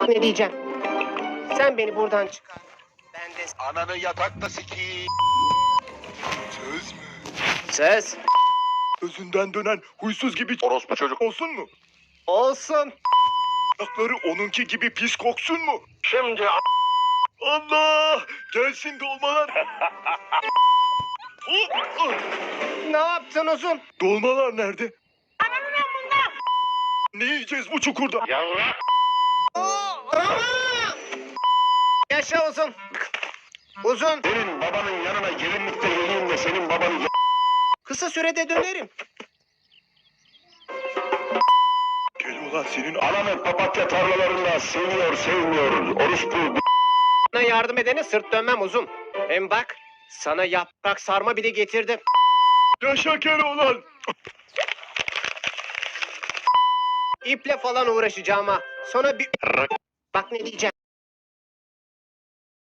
Ne diyeceğim? Sen beni buradan çıkar. Ben de... Ananı yatakta sikiyim. Söz mü? Söz. Özünden dönen huysuz gibi Orospu çocuk. olsun mu? Olsun. Ayakları onunki gibi pis koksun mu? Şimdi Allah! Gelsin dolmalar. Ne yaptın uzun? Dolmalar nerede? Ne yiyeceğiz bu çukurda? yavrak. Yaşa uzun. Uzun. Senin babanın yanına gelinlikte geleyim de senin babanı Kısa sürede dönerim. Gel ulan senin Ananı papatya tarlalarında seviyor sevmiyor. Orospu. Sana yardım edene sırt dönmem uzun. Hem bak sana yaprak sarma bile getirdim. yaşa Keloğlan. İple falan uğraşacağım ha. Sonra bir... Bak ne diyeceğim.